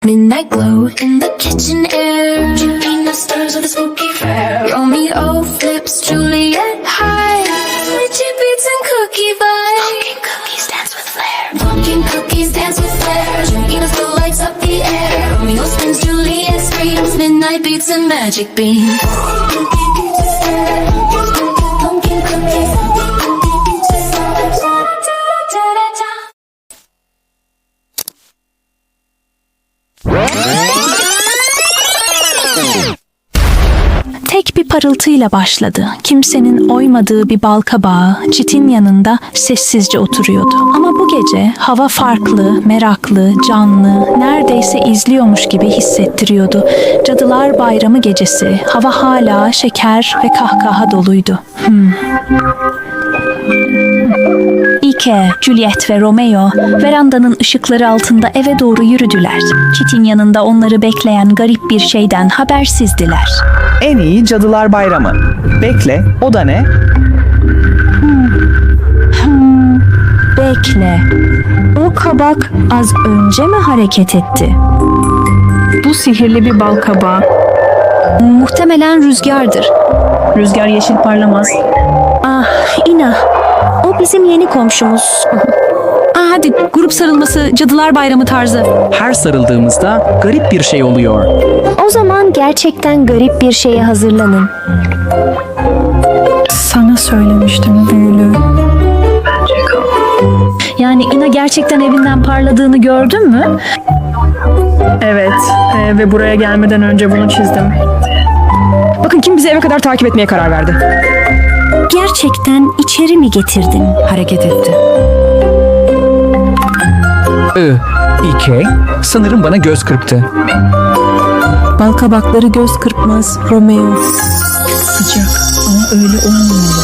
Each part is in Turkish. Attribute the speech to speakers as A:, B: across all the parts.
A: Midnight glow in the kitchen air. Juliet stirs with a spooky flair. Romeo flips Juliet high. Witchy beats and cookie vibes. Pumpkin cookies dance with flair. Pumpkin cookies dance with flair. Juliet still lights up the air. Romeo spins, Juliet screams. Midnight beats and magic beams. Pumpkin cookies.
B: Tek bir parıltıyla başladı. Kimsenin oymadığı bir balkabağı çitin yanında sessizce oturuyordu. Ama bu gece hava farklı, meraklı, canlı, neredeyse izliyormuş gibi hissettiriyordu. Cadılar Bayramı gecesi, hava hala şeker ve kahkaha doluydu. Ike, Juliet ve Romeo verandanın ışıkları altında eve doğru yürüdüler. Çitin yanında onları bekleyen garip bir şeyden habersizdiler.
C: En iyi Cadılar Bayramı. Bekle, o da ne?
B: Bekle. O kabak az önce mi hareket etti?
D: Bu sihirli bir balkabağı.
B: Muhtemelen rüzgardır.
D: Rüzgar yeşil parlamaz.
B: Ah, Ina. O bizim yeni komşumuz.
D: Hadi grup sarılması, Cadılar Bayramı tarzı.
C: Her sarıldığımızda garip bir şey oluyor.
B: O zaman gerçekten garip bir şeye hazırlanın.
D: Sana söylemiştim büyülü.
B: Yani Ina gerçekten evinden parladığını gördün mü?
D: Evet ve buraya gelmeden önce bunu çizdim. Bakın kim bizi eve kadar takip etmeye karar verdi.
B: Gerçekten içeri mi getirdin?
D: Hareket etti.
C: İke, sanırım bana göz kırptı.
D: Balkabakları göz kırpmaz Romeo. Sıcak ama öyle olmamalı.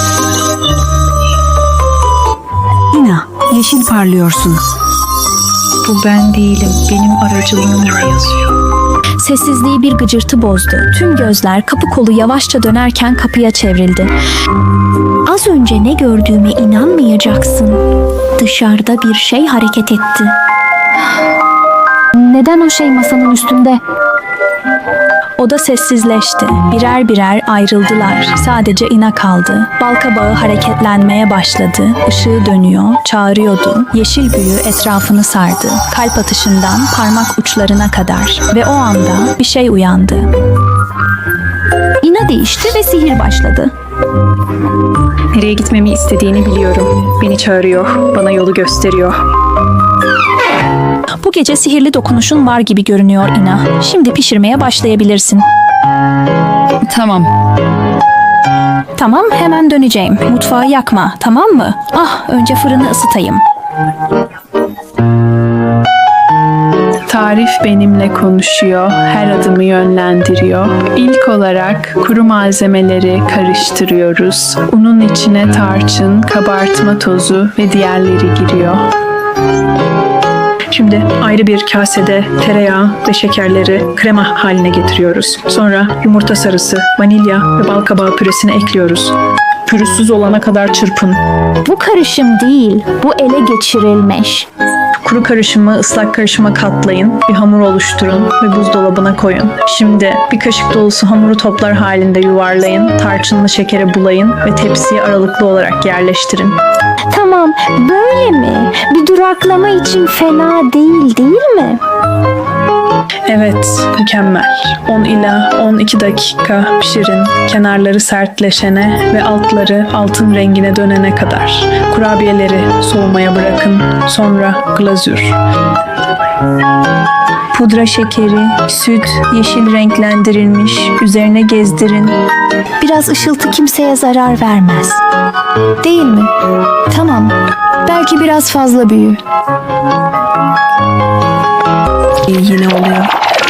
B: Ina, yeşil parlıyorsun.
D: Bu ben değilim. Benim aracılığımla yazıyor.
B: Sessizliği bir gıcırtı bozdu. Tüm gözler kapı kolu yavaşça dönerken kapıya çevrildi. Az önce ne gördüğüme inanmayacaksın. Dışarıda bir şey hareket etti. Neden o şey masanın üstünde? Oda sessizleşti. Birer birer ayrıldılar. Sadece Ina kaldı. Balkabağı hareketlenmeye başladı. Işığı dönüyor, çağırıyordu. Yeşil büyü etrafını sardı. Kalp atışından parmak uçlarına kadar. Ve o anda bir şey uyandı. Ina değişti ve sihir başladı.
D: Nereye gitmemi istediğini biliyorum. Beni çağırıyor, bana yolu gösteriyor.
B: Bu gece sihirli dokunuşun var gibi görünüyor Ina. Şimdi pişirmeye başlayabilirsin.
D: Tamam.
B: Tamam, hemen döneceğim. Mutfağı yakma, tamam mı? Önce fırını ısıtayım.
D: Tarif benimle konuşuyor, her adımı yönlendiriyor. İlk olarak kuru malzemeleri karıştırıyoruz. Unun içine tarçın, kabartma tozu ve diğerleri giriyor. Şimdi ayrı bir kasede tereyağı ve şekerleri krema haline getiriyoruz. Sonra yumurta sarısı, vanilya ve balkabağı püresini ekliyoruz. Pürüzsüz olana kadar çırpın.
B: Bu karışım değil, bu ele geçirilmiş.
D: Kuru karışımı ıslak karışıma katlayın, bir hamur oluşturun ve buzdolabına koyun. Şimdi bir kaşık dolusu hamuru toplar halinde yuvarlayın, tarçınlı şekere bulayın ve tepsiye aralıklı olarak yerleştirin.
B: Tamam, böyle mi? Bir duraklama için fena değil mi?
D: Evet, mükemmel. 10 ila 12 dakika pişirin. Kenarları sertleşene ve altları altın rengine dönene kadar. Kurabiyeleri soğumaya bırakın. Sonra glazür. Pudra şekeri, süt, yeşil renklendirilmiş. Üzerine gezdirin.
B: Biraz ışıltı kimseye zarar vermez. Değil mi? Tamam, belki biraz fazla büyü.
D: Yine oluyor.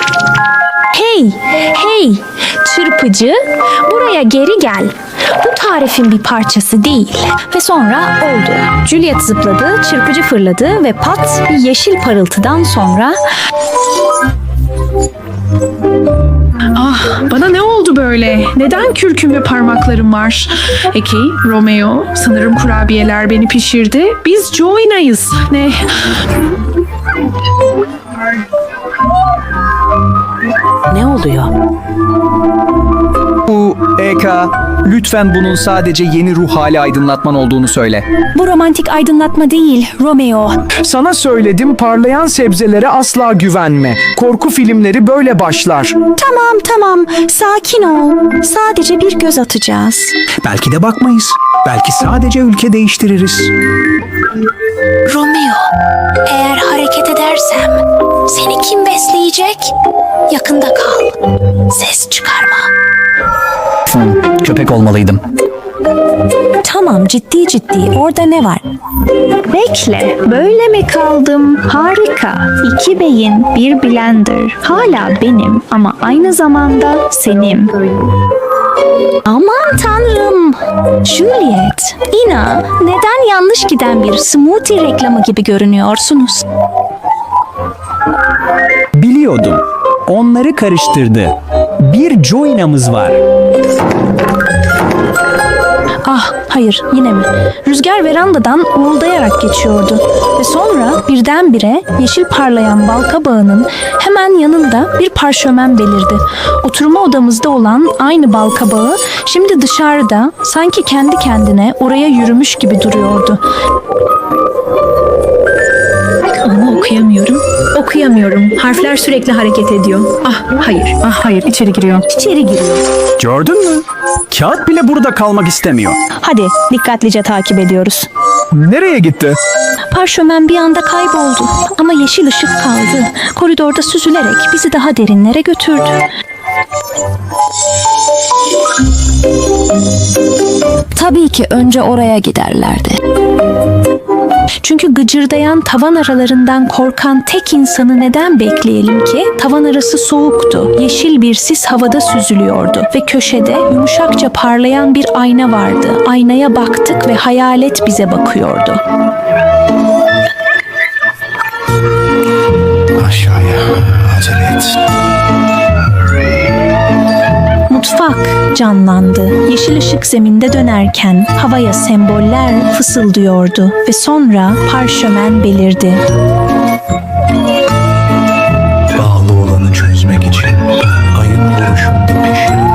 B: Hey, çırpıcı, buraya geri gel. Bu tarifin bir parçası değil. Ve sonra oldu. Juliet zıpladı, çırpıcı fırladı ve pat bir yeşil parıltıdan sonra...
D: Bana ne oldu böyle? Neden kürküm ve parmaklarım var? Eki, Romeo, sanırım kurabiyeler beni pişirdi. Biz Joina'yız. Ne?
E: Ne oluyor?
C: Bu Eka, lütfen bunun sadece yeni ruh hali aydınlatman olduğunu söyle.
B: Bu romantik aydınlatma değil, Romeo.
F: Sana söyledim, parlayan sebzelere asla güvenme. Korku filmleri böyle başlar.
G: Tamam, sakin ol. Sadece bir göz atacağız.
F: Belki de bakmayız. Belki sadece ülke değiştiririz.
A: Romeo, eğer hareket edersem seni kim besleyecek? Yakında kal. Ses çıkarma.
C: Köpek olmalıydım.
B: Tamam, ciddi orada ne var?
D: Bekle, böyle mi kaldım? Harika. 2 beyin, bir blender. Hala benim ama aynı zamanda senin.
B: Aman tanrım. Juliet, Ina, neden yanlış giden bir smoothie reklamı gibi görünüyorsunuz?
H: Biliyordum. Onları karıştırdı. Bir Joina'mız var.
B: Ah, hayır, yine mi? Rüzgar verandadan uğuldayarak geçiyordu. Ve sonra birdenbire yeşil parlayan balkabağının hemen yanında bir parşömen belirdi. Oturma odamızda olan aynı balkabağı şimdi dışarıda sanki kendi kendine oraya yürümüş gibi duruyordu.
D: Ama okuyamıyorum. Harfler sürekli hareket ediyor. Ah hayır, içeri giriyor.
H: Gördün mü? Kağıt bile burada kalmak istemiyor.
B: Hadi, dikkatlice takip ediyoruz.
F: Nereye gitti?
B: Parşömen bir anda kayboldu ama yeşil ışık kaldı. Koridorda süzülerek bizi daha derinlere götürdü. Tabii ki önce oraya giderlerdi. Çünkü gıcırdayan tavan aralarından korkan tek insanı neden bekleyelim ki? Tavan arası soğuktu. Yeşil bir sis havada süzülüyordu ve köşede yumuşakça parlayan bir ayna vardı. Aynaya baktık ve hayalet bize bakıyordu.
F: Aşağıya acele et.
B: Mutfak canlandı. Yeşil ışık zeminde dönerken havaya semboller fısıldıyordu ve sonra parşömen belirdi.
F: Bağlı olanı çözmek için ayın vuruşunda pişirin.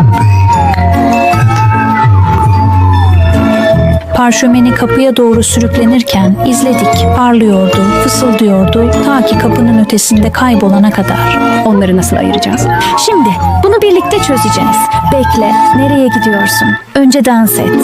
B: Parşömeni kapıya doğru sürüklenirken izledik. Parlıyordu, fısıldıyordu ta ki kapının ötesinde kaybolana kadar.
G: Onları nasıl ayıracağız?
B: Şimdi bunu birlikte çözeceğiz. Bekle, nereye gidiyorsun? Önce dans et.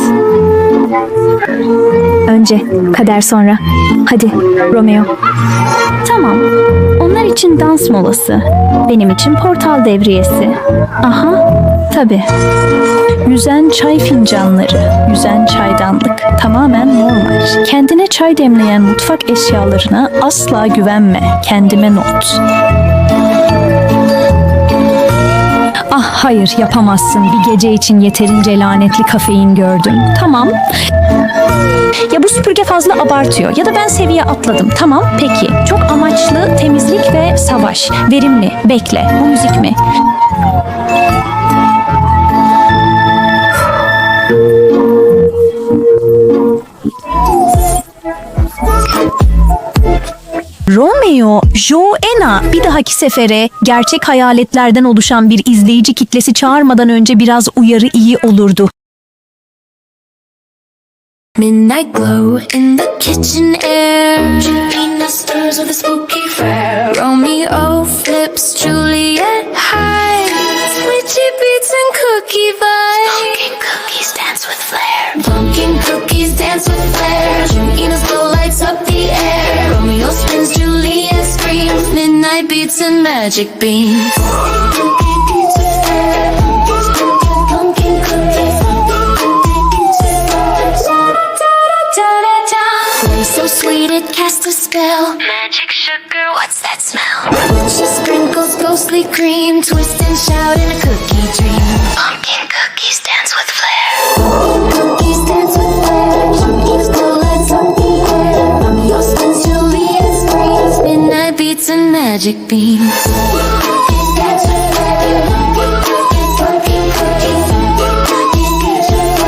B: Önce, kader sonra. Hadi, Romeo. Tamam, onlar için dans molası. Benim için portal devriyesi. Aha, tabii. Yüzen çay fincanları, yüzen çaydanlık tamamen normal. Kendine çay demleyen mutfak eşyalarına asla güvenme. Kendime not. Ah hayır, yapamazsın. Bir gece için yeterince lanetli kafein gördüm. Tamam. Ya bu süpürge fazla abartıyor ya da ben seviye atladım. Tamam, peki. Çok amaçlı temizlik ve savaş. Verimli. Bekle. Bu müzik mi? Romeo, Joanna, bir dahaki sefere gerçek hayaletlerden oluşan bir izleyici kitlesi çağırmadan önce biraz uyarı iyi olurdu.
A: Midnight glow in the kitchen air. Juliet stirs with a spooky flair. Romeo flips Juliet hides. Witchy beats and cookie vibes. Pumpkin cookies dance with flair. Pumpkin cookies dance with flair. Juliet's glow lights up the air. Romeo spins, Juliet screams. Midnight beats and magic beams. Pumpkin beats with flair. Pumpkin cookies. So sweet it casts a spell. Magic sugar, what's that smell? She sprinkles ghostly cream, twist and shout in a cookie dream. Pumpkin cookies dance with flair. Cookies dance with flair. Juliet's glow lights up the air. Romeo spins, Juliet screams. Midnight beats and magic beams. Cookies dance with flair. Pumpkin cookies. Cookies dance with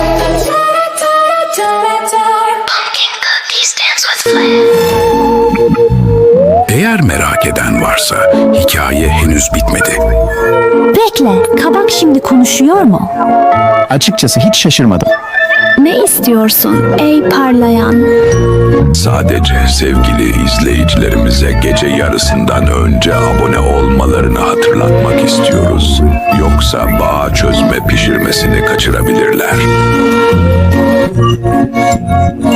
A: flair. Pumpkin cookies dance with flair.
I: Eğer merak eden varsa
E: hikaye henüz bitmedi.
G: Bekle, kabak şimdi konuşuyor mu?
H: Açıkçası hiç şaşırmadım.
G: Ne istiyorsun ey parlayan?
E: Sadece sevgili izleyicilerimize gece yarısından önce abone olmalarını hatırlatmak istiyoruz. Yoksa bağ çözme pişirmesini kaçırabilirler.